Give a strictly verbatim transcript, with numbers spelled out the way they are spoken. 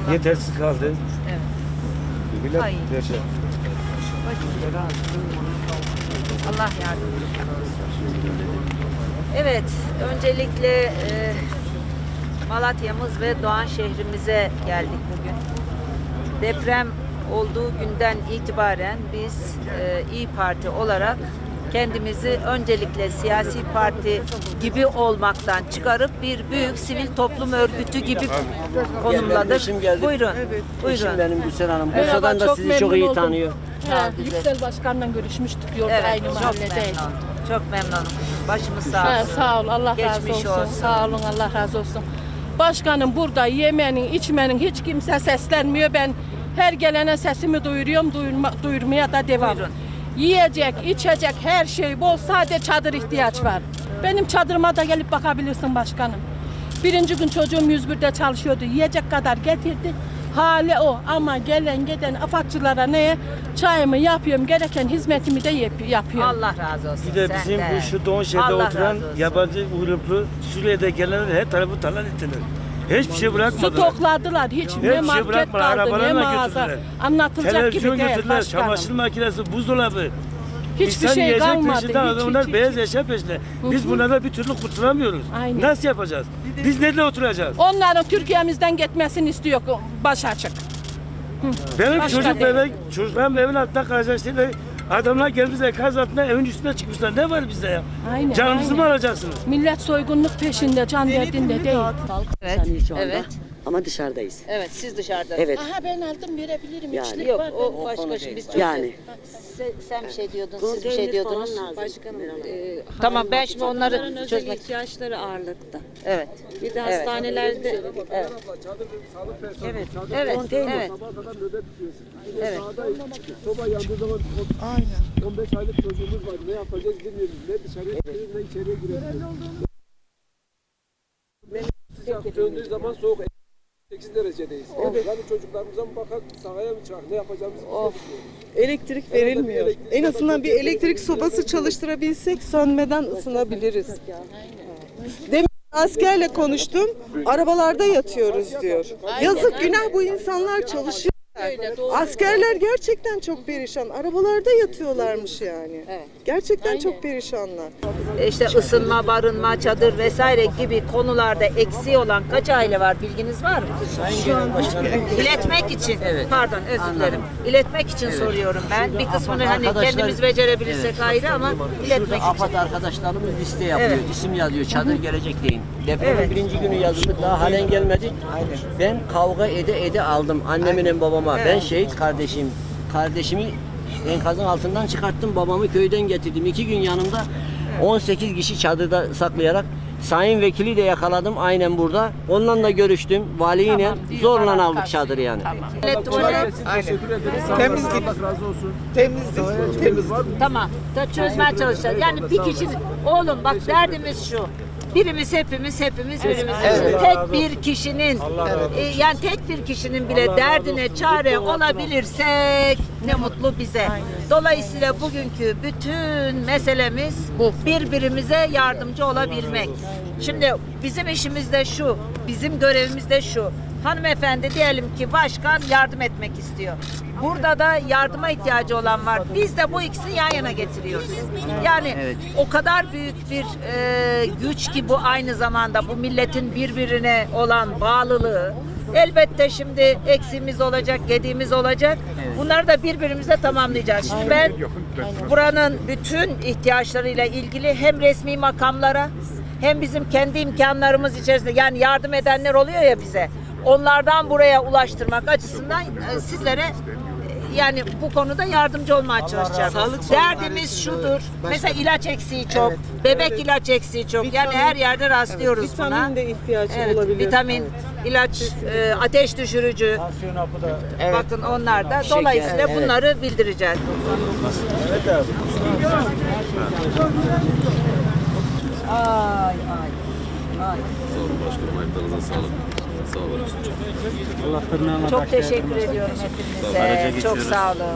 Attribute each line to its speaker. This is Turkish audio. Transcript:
Speaker 1: Yetersiz kaldı.
Speaker 2: Evet.
Speaker 1: Millet
Speaker 2: Ay.
Speaker 1: yaşa.
Speaker 2: Allah yardımcısı olsun. Evet, öncelikle e, Malatya'mız ve Doğan şehrimize geldik bugün. Deprem olduğu günden itibaren biz e, İYİ Parti olarak kendimizi öncelikle siyasi parti gibi olmaktan çıkarıp bir büyük sivil toplum örgütü gibi konumladık.
Speaker 3: Eşim geldi.
Speaker 2: Buyurun,
Speaker 3: Eşim
Speaker 2: buyurun.
Speaker 3: benim Gülsen Hanım.
Speaker 4: Merhaba,
Speaker 3: Bursa'dan da
Speaker 4: çok
Speaker 3: sizi çok
Speaker 4: memnun
Speaker 3: iyi
Speaker 4: oldum.
Speaker 3: tanıyor.
Speaker 4: Ha, Yüksel Başkan'la görüşmüştük yolda
Speaker 2: Evet,
Speaker 4: aynı
Speaker 2: çok
Speaker 4: mahallede.
Speaker 2: memnun. Çok memnunum. Başımız sağ
Speaker 4: Ha,
Speaker 2: olsun.
Speaker 4: sağ ol, Allah razı
Speaker 2: Geçmiş
Speaker 4: olsun.
Speaker 2: olsun.
Speaker 4: Sağ olun, Allah razı olsun. Başkanım burada yemenin, içmenin hiç kimse seslenmiyor. Ben her gelene sesimi duyuruyorum, duyurma, duyurmaya da devam.
Speaker 2: Buyurun.
Speaker 4: Yiyecek, içecek her şey bol, sadece çadır ihtiyaç var. Benim çadırıma da gelip bakabilirsin başkanım. Birinci gün çocuğum yüz birde çalışıyordu, yiyecek kadar getirdi. Hali o ama gelen giden afatçılara neye çayımı yapıyorum, gereken hizmetimi de yap yapıyorum.
Speaker 2: Allah razı olsun.
Speaker 1: Bir de bizim
Speaker 2: senden.
Speaker 1: bu şu Doğan şehrinde
Speaker 2: Allah
Speaker 1: oturan
Speaker 2: razı olsun.
Speaker 1: yabancı uyruklu Suriye'de gelenler her tarafı talan ettiler. Hiçbir şey
Speaker 4: Su
Speaker 1: bırakmadılar.
Speaker 4: tokladılar, hiç
Speaker 1: Hiçbir
Speaker 4: ne
Speaker 1: şey
Speaker 4: market
Speaker 1: bırakmadılar,
Speaker 4: kaldı, ne
Speaker 1: arabalarla
Speaker 4: mağaza.
Speaker 1: götürdüler.
Speaker 4: Anlatılacak
Speaker 1: Televizyon
Speaker 4: gibi değil
Speaker 1: götürdüler,
Speaker 4: başkanım.
Speaker 1: çamaşır makinesi, buzdolabı.
Speaker 4: Hiçbir
Speaker 1: İnsan
Speaker 4: şey
Speaker 1: yiyecek
Speaker 4: kalmadı.
Speaker 1: peşinde,
Speaker 4: Hiç,
Speaker 1: onlar
Speaker 4: hiç,
Speaker 1: beyaz
Speaker 4: hiç.
Speaker 1: eşya peşinde. Biz bunlarla bir türlü kurtulamıyoruz.
Speaker 4: Aynen.
Speaker 1: Nasıl yapacağız? Biz nerede oturacağız?
Speaker 4: Onların Türkiye'mizden gitmesini istiyor baş açık.
Speaker 1: Benim
Speaker 4: Başka
Speaker 1: çocuk
Speaker 4: değil.
Speaker 1: bebek, çocuklarım evin altında kalacak işte. Adamlar gelmiş enkaz altında evin üstüne çıkmışlar. Ne var bizde ya?
Speaker 4: Aynen,
Speaker 1: Canımızı
Speaker 4: aynen.
Speaker 1: mı alacaksınız?
Speaker 4: Millet soygunluk peşinde, can derdinde değil.
Speaker 2: Evet,
Speaker 3: Sen şu anda.
Speaker 2: evet.
Speaker 3: Ama dışarıdayız.
Speaker 2: Evet, siz dışarıda.
Speaker 3: Evet.
Speaker 4: Aha ben aldım verebilirim.
Speaker 3: Yani.
Speaker 4: İçlik
Speaker 2: Yok,
Speaker 4: var.
Speaker 2: o başka şey. Biz çok
Speaker 3: Yani.
Speaker 2: Se- sen bir şey diyordun, siz bir
Speaker 3: Konteyner
Speaker 2: şey diyordunuz.
Speaker 3: falan lazım.
Speaker 5: Başkanım, e,
Speaker 2: Tamam, ben şimdi onları
Speaker 5: özel
Speaker 2: çözmek.
Speaker 5: ihtiyaçları ağırlıkta.
Speaker 2: Evet.
Speaker 5: Bir de
Speaker 2: Evet.
Speaker 5: hastanelerde
Speaker 2: Evet.
Speaker 5: evet.
Speaker 2: Evet. Evet. Evet.
Speaker 6: Soba yandığı zaman Aynen. on beş aylık çocuğumuz var. Ne yapacağız bilmiyoruz. Ne dışarıya çıkıyoruz ne içeriye giriyoruz. Sıcak söndüğü zaman soğuk sekiz derecedeyiz. Evet. Yani çocuklarımıza mı bakar, sahaya mı çıkar, ne yapacağımızı biz de bilmiyoruz.
Speaker 7: Elektrik verilmiyor. En azından bir elektrik sobası çalıştırabilsek sönmeden ısınabiliriz. Demin askerle konuştum. Arabalarda yatıyoruz diyor. Yazık günah bu insanlar çalışıyor. Askerler gerçekten çok perişan. Arabalarda yatıyorlarmış yani. Gerçekten çok perişanlar.
Speaker 2: İşte ısınma, barınma, çadır vesaire gibi konularda eksiği olan kaç aile var bilginiz var mı?
Speaker 3: Şu an
Speaker 2: İletmek için, pardon özür dilerim. İletmek için soruyorum ben. Bir kısmını hani
Speaker 3: Arkadaşlar-
Speaker 2: kendimiz becerebilirsek
Speaker 3: Evet.
Speaker 2: ayrı ama iletmek
Speaker 3: Şurada
Speaker 2: için.
Speaker 3: AFAD arkadaşlarımız liste yapıyor,
Speaker 2: Evet.
Speaker 3: isim yazıyor, çadır gelecek deyin. Depremin
Speaker 2: Evet.
Speaker 3: birinci günü yazıldı, daha halen gelmedi. Ben kavga ede ede aldım annemin babama. Ben şehit kardeşim, kardeşimi enkazın altından çıkarttım, babamı köyden getirdim. İki gün yanımda on sekiz kişi çadırda saklayarak. Sayın Vekili de yakaladım aynen burada. Onunla da görüştüm. Valiyle
Speaker 4: Tamam,
Speaker 3: zorla
Speaker 4: diyorlar,
Speaker 3: aldık
Speaker 4: karşı.
Speaker 3: çadırı yani.
Speaker 2: Evet, tuvalet.
Speaker 6: Teşekkür ederiz. Sağ olun.
Speaker 7: Temizlik.
Speaker 6: Allah razı olsun.
Speaker 7: Temizlik. Temiz.
Speaker 6: Var mı?
Speaker 2: Tamam. Da çözmeye çalışacağız. Yani bir kişi, oğlum bak derdimiz şu. Birimiz hepimiz hepimiz birimiz. Tek bir kişinin e, yani tek bir kişinin bile derdine çare olabilirsek ne mutlu bize. Dolayısıyla bugünkü bütün meselemiz birbirimize yardımcı olabilmek. Şimdi bizim işimiz de şu, bizim görevimiz de şu. Hanımefendi diyelim ki başkan yardım etmek istiyor. Burada da yardıma ihtiyacı olan var. Biz de bu ikisini yan yana getiriyoruz. Yani o kadar büyük bir e, güç ki bu aynı zamanda bu milletin birbirine olan bağlılığı. Elbette şimdi eksiğimiz olacak, gediğimiz olacak. Bunları da birbirimize tamamlayacağız. Şimdi ben buranın bütün ihtiyaçlarıyla ilgili hem resmi makamlara hem bizim kendi imkanlarımız içerisinde yani yardım edenler oluyor ya bize. Onlardan buraya ulaştırmak açısından e, sizlere e, yani bu konuda yardımcı olmaya çalışacağım. Derdimiz şudur. Mesela ilaç eksiği çok. Bebek ilaç eksiği çok. Yani her yerde rastlıyoruz buna.
Speaker 7: Vitamin de ihtiyacı
Speaker 2: Evet,
Speaker 7: olabilir.
Speaker 2: vitamin, ilaç, e, ateş düşürücü. Bakın onlar da. Dolayısıyla
Speaker 3: evet.
Speaker 2: bunları bildireceğiz. Ay ay. Ay.
Speaker 8: Sağ olun başkanım, ayaklarınıza sağlık. Sağ olun.
Speaker 2: Çok teşekkür ediyorum hepinize. Çok sağ olun.